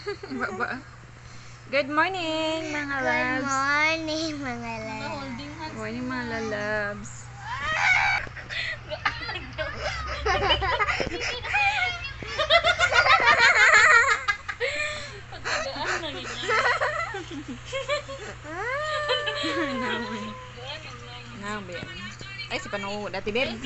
Baba. Good morning, mga Good loves. morning, mga loves. Good morning, mga lalabs. Ben. Ay, si Panu dati, Ben.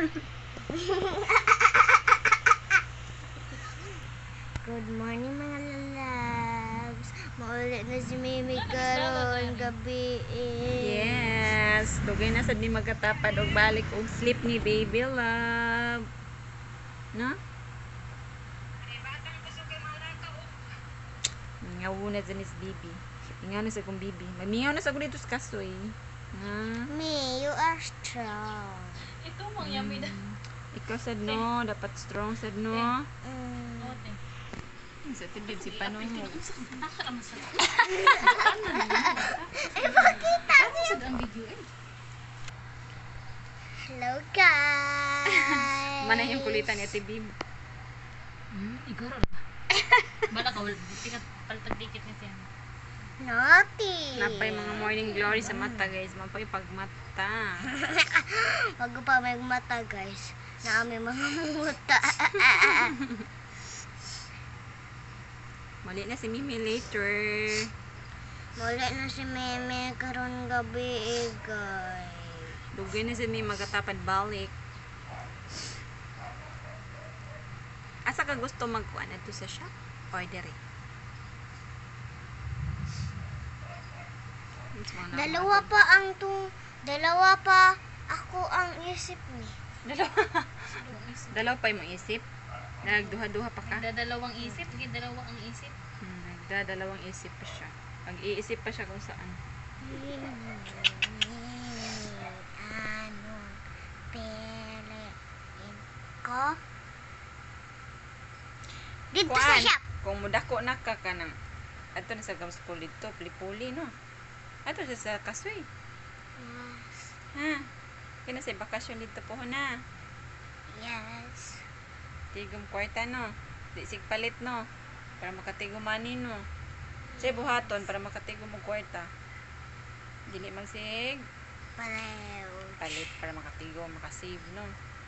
Good morning, mga loves. Maulit na si Mimi karon gabi. Yes. Dugay na sad ni magkatapad og balik og sleep ni baby love. No? Ngaw na sa nis bibi. Ingaw na sa kong bibi. Mamingaw na sa ko dito sa kasoy. Ha? Me, you are strong. Ito mang yummy na. Ikaw sad no, dapat strong sad no. Ote. Sa tibib si Panong. Naka naman sa. Eh, pakita niyo. Sa ang video eh. Hello, guys. Mana yung kulitan ni tibib. Igoro na. Bala ka wala tikat paltag dikit ni siya. Naughty. Napay mga morning glory sa mata guys. Mapay pagmata. Wag pa may mata, guys. Na aming mga muta. Mali na si Mimi later. Muli na si Meme karon gabi, guys. Dugay na si Mimi magkatapad balik. Asa ka gusto magkuan adto sa shop? Order eh. Dalawa pa ako ang isip ni. Dalawa pa yung isip. Nagduha-duha pa ka. Nagdadalawang isip, gidalawa ang isip. Nagdadalawang isip pa siya. Pag-iisip pa siya kung saan. Ano piliin ko? Dito sa Kuan, shop. kung mudako na ka kanang ato na sa gam school dito, puli-puli no. Ato sa kasoy. Ha. Kina sa bakasyon dito po na. Yes. Tigom kwarta no. Di sig palit no. Para makatigom money no. Say buhaton para makatigom mo kwarta. Dili man sig palit para makatigom, makasave no.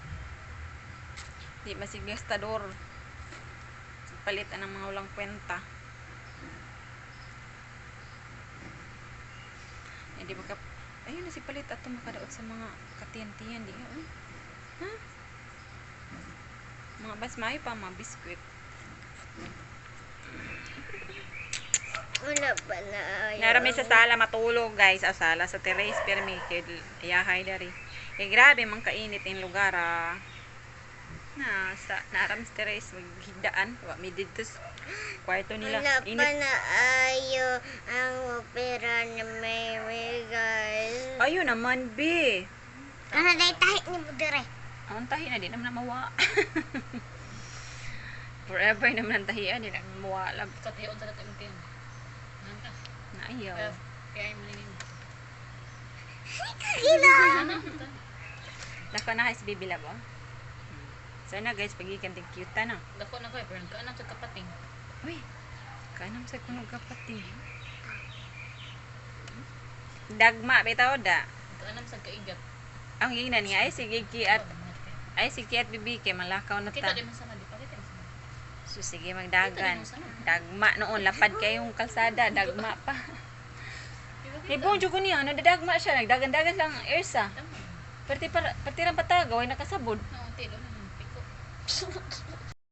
Di masig gastador. Palit ang mga ulang kwenta. Hindi baka ayun na si palit ato makadaot sa mga katiyan-tiyan di ha? Mga basmay pa mga biskwit. Wala pa na ayaw. Narami sa sala matulog guys, sala sa terrace pero may ayahay dari. Eh grabe man kainit yung lugar ah. Naram sa terrace maghigdaan, wa mi dito sa kwarto nila. Wala pa Init. na ayaw ang opera ni Mary, guys. Ayun naman be. Ano na tahi ni mo dire? Ang tahi na di naman mawa. Forever naman ang tahian, di naman mawala. Sa tiyon sa datang tiyon. Nanta. Naayaw. Kaya ay malingin. Kila! Ano? Dako na kayo sa bibila ba? So na guys, pagikan ting cute na. Dako na ko eh, pero nagkaanam sa kapating. Uy, kanam sa kunog kapatid. Dagma, bitaw da. Nagkaanam sa kaigat. Ang ingnan nga, ay si Kiat Bibi, kay malakaw na Kita ta. di man sana, di pa kita di sana. So sige, magdagan. Dagma noon, lapad kayong kalsada, dagma pa. Ibong jugo niya, nadadagma siya, nagdagan-dagan lang Ersa. Perti lang patagaw, ay nakasabod. Oo, tilo na. Piko.